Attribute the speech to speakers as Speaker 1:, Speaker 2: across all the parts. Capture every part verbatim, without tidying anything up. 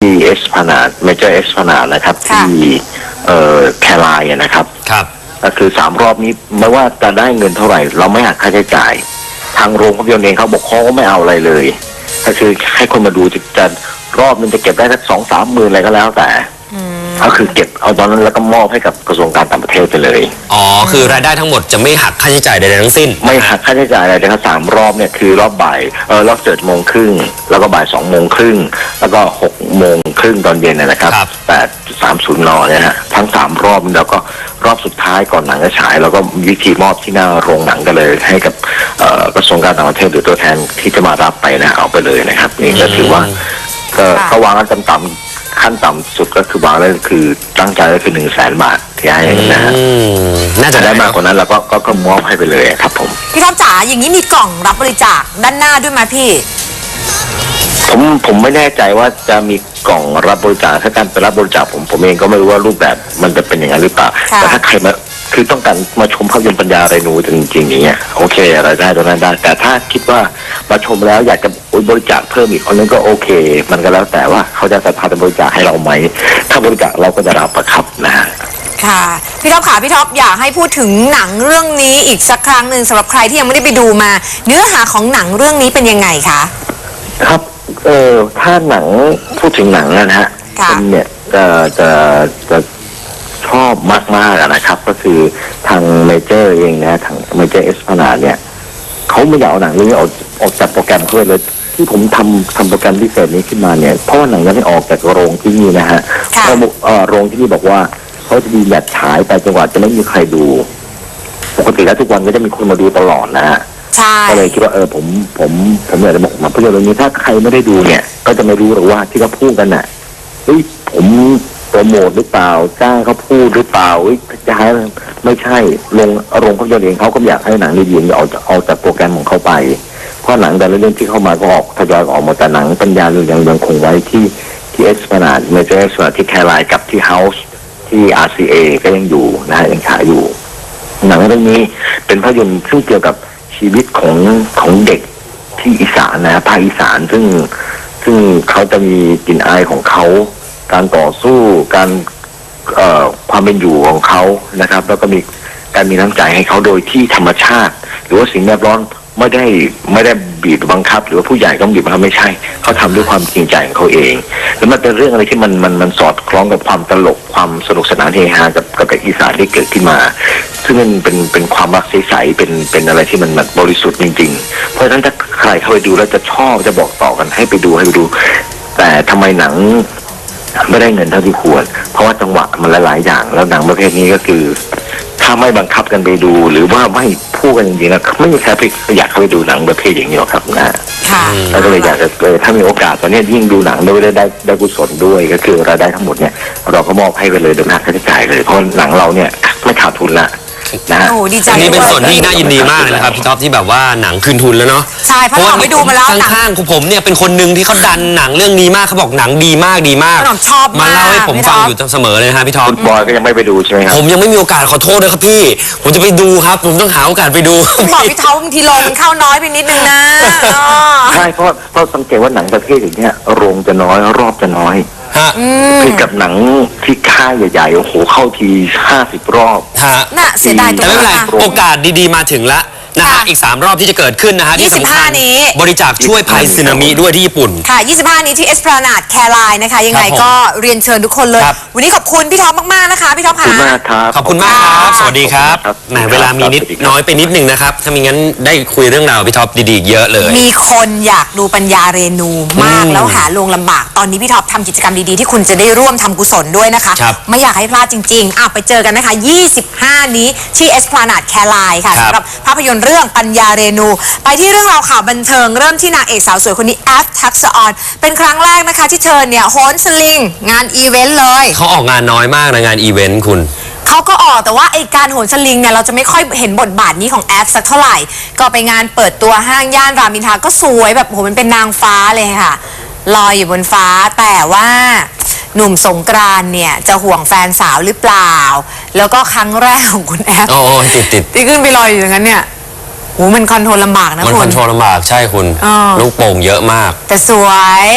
Speaker 1: ที่เอสพนาดเมเจอร์เอสพนาดนะครับที่เอ่อแคลายนะครับ
Speaker 2: ครับ
Speaker 1: ก็คือสามรอบนี้ไม่ว่าจะได้เงินเท่าไหร่เราไม่หักค่าใช้จ่ายทางโรงภาพยนตร์เองเขาบอกเขาก็ไม่เอาอะไรเลยก็คือให้คนมาดูจะจะรอบนึงจะเก็บได้สักสองสามหมื่นอะไรก็แล้วแต่ก็คือเก็บเอาตอนนั้นแล้วก็มอบให้กับกระทรวงการต่างประเทศไปเลย
Speaker 2: อ๋อคือรายได้ทั้งหมดจะไม่หักค่าใช้จ่ายใดๆทั้งสิ้น
Speaker 1: ไม่หักค่าใช้จ่ายอะไรเลยครับสามรอบเนี่ยคือรอบบ่ายเออรอบเจ็ดโมงครึ่งแล้วก็บ่ายสองโมงครึ่งแล้วก็หกโมงครึ่งตอนเย็นนะครับแปดสามศูนย์นเนี่ยฮะทั้งสามรอบแล้วก็รอบสุดท้ายก่อนหนังจะฉายแล้วก็วิธีมอบที่หน้าโรงหนังกันเลยให้กับกระทรวงการต่างประเทศหรือตัวแทนที่จะมารับไปนะเอาไปเลยนะครับนี่ก็ถือว่าก็วางกันต่ำๆขั้นต่ำสุดก็คือวางเลยคือตั้งใจก็คือหนึ่งแสนบาทที่ให้นะฮะ
Speaker 2: น่าจะ
Speaker 1: ได้มากกว่านั้นแล้วก็ก็มอบให้ไปเลยครับผม
Speaker 3: พี่ท็อปจ๋าอย่างนี้มีกล่องรับบริจาคด้านหน้าด้วยไหมพี่
Speaker 1: ผมผมไม่แน่ใจว่าจะมีกล่องรับบริจาคถ้าการไปรับบริจาคผมผมเองก็ไม่รู้ว่ารูปแบบมันจะเป็นอย่างนั้นหรือเปล่าแต่ถ้าใครมาคือต้องการมาชมภาพยนตร์ปัญญาเรนูจริงๆอย่างเงี้ยโอเคอะไรได้ตรงนั้นได้แต่ถ้าคิดว่ามาชมแล้วอยากจะบริจาคเพิ่มอีกคนนึงก็โอเคมันก็แล้วแต่ว่าเขาจะสามารถบริจาคให้เราไหมถ้าบริจาคเราก็จะรับประครับนะฮะ
Speaker 3: ค่ะพี่ท็อปค่ะพี่ท็อปอยากให้พูดถึงหนังเรื่องนี้อีกสักครั้งหนึ่งสำหรับใครที่ยังไม่ได้ไปดูมาเนื้อหาของหนังเรื่องนี้เป็นยังไงคะ
Speaker 1: ครับเออถ้าหนังพูดถึงหนังนะฮะคนเนี่ยจะจะจะชอบมากๆนะครับก็คือทางเมเจอร์เองนะทางเมเจอร์เอสพนาเนี่ยเขาไม่อยากเอาหนังเรื่องนี้ออกออกจากโปรแกรมเพื่อเลยที่ผมทำทำโปรแกรมพิเศษนี้ขึ้นมาเนี่ยเพราะว่าหนังยังไม่ออกจากโรงที่นี่นะฮะเพราะโรงที่นี่บอกว่าเขาจะดีหยัดฉายไปจนกว่าจะไม่มีใครดูปกติแล้วทุกวันก็จะมีคนมาดูตลอดนะฮะก็เลยคิดว่าเออผมผมผมอยากจะบอกมาภาพยนตร์เรื่องนี้ถ้าใครไม่ได้ดูเนี่ยก็จะไม่รู้หรอกว่าที่เขาพูดกันน่ะเฮ้ยผมโปรโมทหรือเปล่าจ้างเขาพูดหรือเปล่าจะให้ไม่ใช่ลงโรงภาพยนตร์เองเขาก็อยากให้หนังดีๆเอาเอาจากโปรแกรมของเขาไปเพราะหนังแต่ละเรื่องที่เข้ามาก็ออกทยอยออกมาแต่หนังปัญญาเรื่องยังยังคงไว้ที่ที่เอสพนาดเมเจอร์เอสพนาดที่แคลายกับที่เฮาส์ที่ อาร์ ซี เอ ก็ยังอยู่นะฮะยังฉายอยู่หนังเรื่องนี้เป็นภาพยนตร์ซึ่งเกี่ยวกับชีวิตของของเด็กที่อีสานนะภาคอีสานซึ่งซึ่งเขาจะมีกลิ่นอายของเขาการต่อสู้การเอ่อความเป็นอยู่ของเขานะครับแล้วก็มีการมีน้ำใจให้เขาโดยที่ธรรมชาติหรือว่าสิ่งแวดล้อมไม่ได้ไม่ได้บีบบังคับหรือว่าผู้ใหญ่ต้องบีบบังคับไม่ใช่เขาทำด้วยความจริงใจของเขาเองแล้วมันเป็นเรื่องอะไรที่มันมันมันสอดคล้องกับความตลกความสนุกสนานเฮฮากับกับอีสานที่เกิดขึ้นมาซึ่งมันเป็นเป็นความรักใสๆเป็นเป็นอะไรที่มันบริสุทธิ์จริงๆเพราะฉะนั้นถ้าใครเข้าไปดูแล้วจะชอบจะบอกต่อกันให้ไปดูให้ไปดูแต่ทำไมหนังไม่ได้เงินเท่าที่ควรเพราะว่าจังหวะมันหลายๆอย่างแล้วหนังประเภทนี้ก็คือถ้าไม่บังคับกันไปดูหรือว่าไม่พูดกันจริงๆนะไม่มีใครอยากเข้าไปดูหนังประเภทอย่างนี้หรอกครับนะแล้วก็เลยอยากจะเลยถ้ามีโอกาสตอนนี้ยิ่งดูหนังด้วยได้ได้ได้กุศลด้วยก็คือรายได้ทั้งหมดเนี่ยเราก็มอบให้ไปเลยโดยไม่หักค่าใช้จ่ายเลยเพราะหนังเราเนี่ยไม่ขาดทุนละนะ
Speaker 3: โอ้ดีใจ
Speaker 2: นี่เป็นส่วนที่น่ายินดีมากเลยนะครับพี่ท็อปที่แบบว่าหนังคืนทุนแล้วเนาะ
Speaker 3: ใช่เพราะเราไปดูมาแล้ว
Speaker 2: ข้างๆผมเนี่ยเป็นคนหนึ่งที่เขาดันหนังเรื่องนี้มากเขาบอกหนังดีมากดีมาก
Speaker 3: ชอบ
Speaker 2: มาเล่าให้ผมฟังอยู่เสมอเลยนะฮะพี่ท็อป
Speaker 1: บอยก็ยังไม่ไปดูใช่ไหมครับ
Speaker 2: ผมยังไม่มีโอกาสขอโทษเลยครับพี่ผมจะไปดูครับผมต้องหาโอกาสไปดู
Speaker 3: บอกพี่ท็อปบางทีโรงมันเข้าน้อยไปนิดนึงนะ
Speaker 1: ใช่เพราะเพราะสังเกตว่าหนังประเภทอย่างเนี้ยโรงจะน้อยรอบจะน้อยคือกับหนังที่ค่ายใหญ่ๆโอ้โหเข้าทีห้าสิบรอบ
Speaker 3: น่ะเสียดายตัว
Speaker 2: แต่ไม่เป็นไรโอกาสดีๆมาถึงแล้วนะฮะอีกสามรอบที่จะเกิดขึ้นนะฮะที่สำคัญบริจาคช่วยภัยสึนามิด้วยที่ญี่ปุ่น
Speaker 3: ค่ะยี่สิบห้านี้ที่เอสพลานาดแคลายนะคะยังไงก็เรียนเชิญทุกคนเลยวันนี้ขอบคุณพี่ท็อปมากๆนะคะพี่ท็อปค่ะ
Speaker 2: ขอบคุณมากครับสวัสดีครับแหมเวลามีนิดน้อยไปนิดนึงนะครับถ้ามีงั้นได้คุยเรื่องราวพี่ท็อปดีๆเยอะเลย
Speaker 3: มีคนอยากดูปัญญาเรนูมากแล้วหาโรงลำบากตอนนี้พี่ท็อปทำกิจกรรมดีๆที่คุณจะได้ร่วมทำกุศลด้วยนะคะไม่อยากให้พลาดจริงๆอ่ะไปเจอกันนะคะยี่สิบห้านี้ที่เอสพลานาดแคลายค่ะสำหรับภาพยนตร์เรื่องปัญญาเรนูไปที่เรื่องราวข่าวบันเทิงเริ่มที่นางเอกสาวสวยคนนี้แอฟทักษะออนเป็นครั้งแรกนะคะที่เธอเนี่ยโหนสลิงงานอีเวนต์เลย
Speaker 2: เขาออกงานน้อยมากนะงานอีเวนต์คุณ
Speaker 3: เขาก็ออกแต่ว่าไอการโหนสลิงเนี่ยเราจะไม่ค่อยเห็นบทบาทนี้ของแอฟสักเท่าไหร่ก็ไปงานเปิดตัวห้างย่านรามอินทราก็สวยแบบโหมันเป็นนางฟ้าเลยค่ะลอยอยู่บนฟ้าแต่ว่าหนุ่มสงกรานต์เนี่ยจะห่วงแฟนสาวหรือเปล่าแล้วก็ครั้งแรกของคุณแอฟ
Speaker 2: โอ้ติดติด
Speaker 3: ที่ขึ้นไปลอยอยู่อย่างนั้นเนี่ยโหมันคอนโทรลลำบากนะคุณ
Speaker 2: มันคอนโทรลลำบากใช่คุณลูกโป่งเยอะมาก
Speaker 3: แต่สวย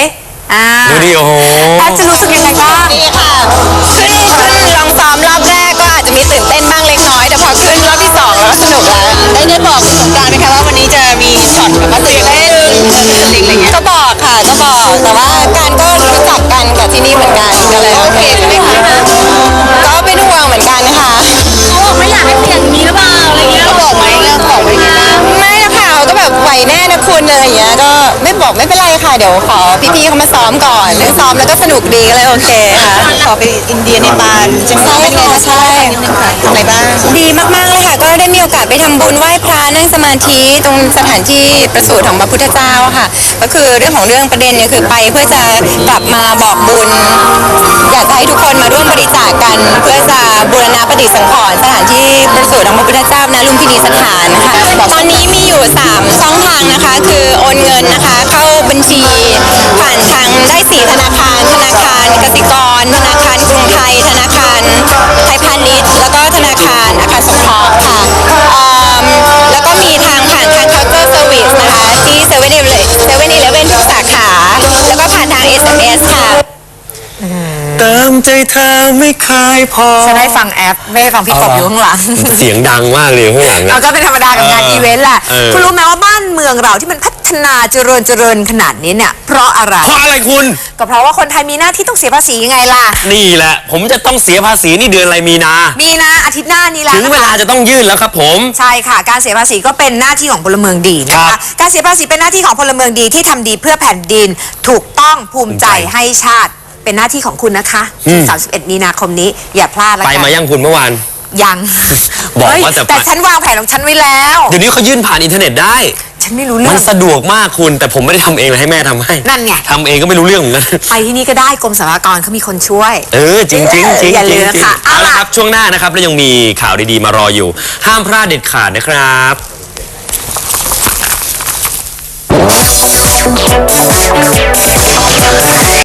Speaker 3: อ่า
Speaker 2: ดูดิโอ้โห
Speaker 3: แอปจะรู้สึกยังไงบ้าง
Speaker 4: นี่ค่ะขึ้นขึ้นลองซ้อมรอบแรกก็อาจจะมีตื่นเต้นบ้างเล็กน้อยแต่พอขึ้นรอบที่สองแล้วก็สนุกแล้วได้ได้บอกสงกรานต์ไหมคะว่าวันนี้จะมีช็อตแบบว่าตื่นเต้นอะไรอย่างเงี้ยก็บอกค่ะก็บอกแต่ว่าการก็รู้จักกันกับที่นี่เหมือนกันก็เลยโอเคใช่ไหมคะก็เป็นห่วงเหมือนกันค่ะเขาบอกไม่อยากให้เปลี่ยนนี้หรือเปล่าอะไรเงี้ยเขาบอกไหมเขาบอกไหมไม่นะคะเขาก็แบบไหวแน่นะคุณอะไรอย่างเงี้ยก็ไม่บอกไม่เป็นไรค่ะเดี๋ยวขอพี่ๆเขามาซ้อมก่อนเรื่องซ้อมแล้วก็สนุกดีก็เลยโอเคค่ะขอไปอินเดียเนปาลใช่ไหมคะใช่อะไรบ้างดีมากๆเลยค่ะก็ได้มีโอกาสไปทำบุญไหว้พระนั่งสมาธิตรงสถานที่ประสูติของพระพุทธเจ้าค่ะก็คือเรื่องของเรื่องประเด็นเนี่ยคือไปเพื่อจะกลับมาบอกบุญอยากจะให้ทุกคนมาร่วมบริจาคกัน เพื่อจะบูรณะปฏิสังขรณ์สถานที่ประสูติของพระพุทธเจ้าณลุมพินีสถานนะคะตอนนี้มีอยู่สามช่องทางนะคะคือโอนเงินนะคะเข้าบัญชีผ่านทางได้สี่ธนาคารธนาคารกสิกรธนาคารกรุงไทยธนาคารไทยพาณิชย์แล้วก็ธนาคารอาคารสงเคราะห์ค่ะเอิ่มแล้วก็มีทางผ่านทาง counter service นะคะที่เซเว่นอีเลเซเว่นอีเลฟเว่นทุกสาขาแล้วก็ผ่านทาง เอส เอ็ม เอส ค่ะ
Speaker 2: เติมใจเธอไม่เคยพอ
Speaker 3: ฉันได้ฟังแอปไม่ได้ฟังพี่กบอยู่ข้างหลัง
Speaker 2: เสียงดังมากเลยข้างหลัง
Speaker 3: เรา
Speaker 2: นะ
Speaker 3: ก็เป็นธรรมดากับงาน
Speaker 2: เออ
Speaker 3: อีเวนต์แหละ
Speaker 2: เออ
Speaker 3: คุณรู้ไหมว่าบ้านเมืองเราที่มันพัฒนาเจริญเจริญขนาดนี้เนี่ยเพราะอะไร
Speaker 2: เพราะอะไรคุณ
Speaker 3: ก็เพราะว่าคนไทยมีหน้าที่ต้องเสียภาษียังไงล่ะ
Speaker 2: นี่แหละ ผมจะต้องเสียภาษีนี่เดือนอะไรมีนา
Speaker 3: มีนะอาทิตย์หน้านี้แล้ว
Speaker 2: ถึง
Speaker 3: นะคะ
Speaker 2: เวลาจะต้องยื่นแล้วครับผม
Speaker 3: ใช่ค่ะ การเสียภาษีก็เป็นหน้าที่ของพลเมืองดีนะ
Speaker 2: ครั
Speaker 3: คะ
Speaker 2: บ
Speaker 3: การเสียภาษีเป็นหน้าที่ของพลเมืองดีที่ทำดีเพื่อแผ่นดินถูกต้องภูมิใจ
Speaker 2: ภูมิใจ
Speaker 3: ให้ชาติเป็นหน้าที่ของคุณนะคะ
Speaker 2: อืม
Speaker 3: สามสิบเอ็ดมีนาคมนี้อย่าพลาดละ
Speaker 2: ไป
Speaker 3: กัน
Speaker 2: มายังคุณเมื่อวาน
Speaker 3: ยัง
Speaker 2: บอก
Speaker 3: เฮ้ย
Speaker 2: ว่าจะไป
Speaker 3: แต่ฉันวางแผนของฉันไว้แล้ว
Speaker 2: เดี๋ยวนี้เขายื่นผ่านอินเทอร์เน็ตได้
Speaker 3: ฉันไม่รู้เรื่
Speaker 2: มั
Speaker 3: อน ง
Speaker 2: สะดวกมากคุณ แต่ผมไม่ได้ทำเองเลยให้แม่ทำให้
Speaker 3: นั่นไง
Speaker 2: ทำเองก็ไม่รู้เรื่องเหมือนกัน
Speaker 3: ไปที่นี่ก็ได้กรมสรรพากรเขามีคนช่วย
Speaker 2: เออจริงจริงจริง
Speaker 3: อย่าลื
Speaker 2: จริ
Speaker 3: ม
Speaker 2: ง
Speaker 3: นะ
Speaker 2: จริง
Speaker 3: คะ
Speaker 2: เอา
Speaker 3: เอา
Speaker 2: ละ
Speaker 3: ล่ะ
Speaker 2: ครับช่วงหน้านะครับแล้วยังมีข่าวดีๆมารออยู่ ห้ามพลาดเด็ดขาดนะครับ